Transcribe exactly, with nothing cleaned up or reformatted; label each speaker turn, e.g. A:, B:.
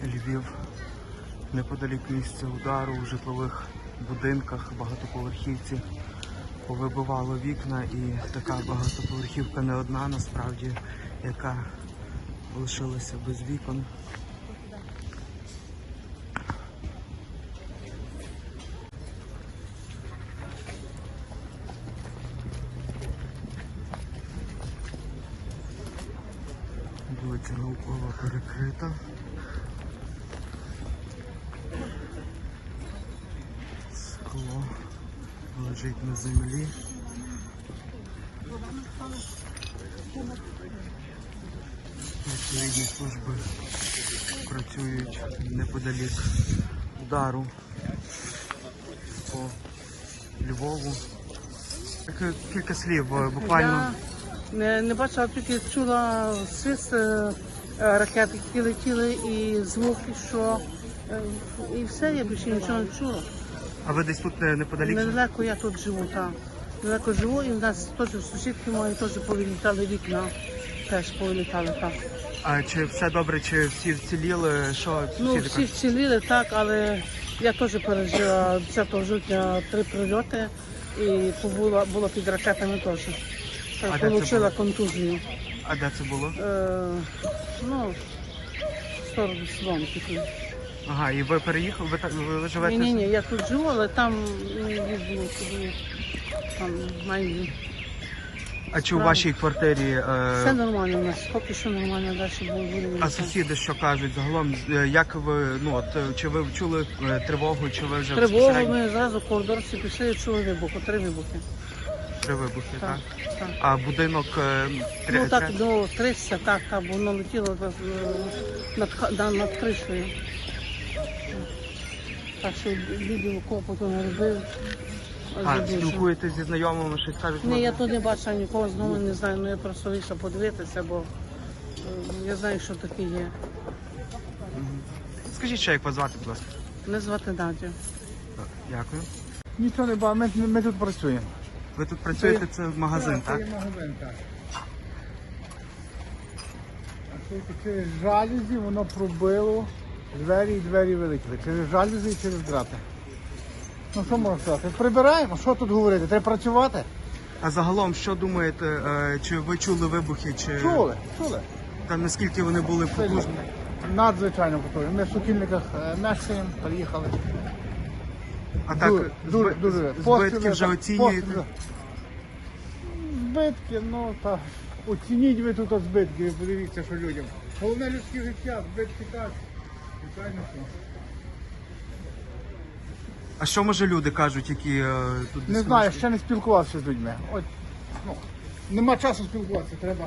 A: Львів. Неподалік місця удару у житлових будинках, багатоповерхівці повибивало вікна, і така багатоповерхівка не одна насправді, яка лишилася без вікон. Вулиця Наукова перекрита. Скло лежить на землі. Відповідні служби працюють неподалік удару по Львову. Кілька слів, буквально.
B: Я не, не бачила, тільки чула свист е, ракет, які летіли, і звуки, що е, і все, я більше нічого не чула.
A: А ви десь тут неподалік?
B: Недалеко я тут живу, так. Недалеко живу, і в нас теж сусідки мої теж повилітали вікна, теж повилітали, так.
A: А чи все добре, чи всі вціліли? Що
B: Ну,
A: сусіди
B: всі
A: кажуть?
B: вціліли, так, але я теж пережила десятого жовтня три прильоти і побула, була під ракетами теж.
A: А де це
B: Получила
A: було?
B: контузію.
A: А де це було?
B: Е, ну, в сторону Соломки.
A: Ага, і ви переїхали? Ви, так- ви живете?
B: Ні, ні, ні, я тут живу, але там ну, їздила туди, там майже.
A: А чи у вашій квартирі?
B: Все
A: Е...
B: нормально у нас, поки що нормально, далі буде.
A: А сусіди що кажуть загалом? Е, Як ви, ну от, е, чи ви чули е, тривогу, чи ви вже
B: Тривогу,
A: безпосередньо?
B: ми зразу в коридорці пішли і чули вибуху, три вибухи.
A: Три вибухи, так?
B: Так, так.
A: А будинок е, три,
B: Ну так,
A: три-
B: до тридцять, так, так, бо воно летіло е, над, ха- да, над кришею. Так що відео копоту не робив.
A: А,
B: Забільше.
A: спілкуєтесь зі знайомими, щось кажуть?
B: Ні, я
A: можна?
B: тут не бачила нікого, знову не знаю, ну я просто вийшла подивитися, бо е, я знаю, що таке є.
A: Скажіть ще, як вас звати, будь ласка.
B: Мене звати Надя.
A: Так, дякую.
C: Нічого не бачу, ми, ми тут працюємо.
A: Ви тут працюєте, це магазин, так?
C: Це є магазин, так. А це через жалюзі воно пробило двері і двері вилетіли. Через жалюзі і через драти. Ну що можна сказати? Прибираємо, що тут говорити? Треба працювати?
A: А загалом, що думаєте, е, чи ви чули вибухи, чи
C: Чули, чули.
A: та наскільки вони були потужні?
C: Надзвичайно потужно. Ми в Сокільниках е, мешкаємо, приїхали.
A: А так,
C: Дуже, дуже,
A: зби-
C: дуже.
A: збитки
C: Постріли,
A: вже
C: так,
A: оцінюєте?
C: постріли. Збитки, ну так. Оцініть ви тут от збитки, ви подивіться, що людям. Головне людське життя, збитки так. Звичайно, що.
A: А що може люди кажуть, які е, тут
C: Не
A: десь
C: знаю,
A: мешкають?
C: ще не спілкувався з людьми. От, ну, нема часу спілкуватися, треба.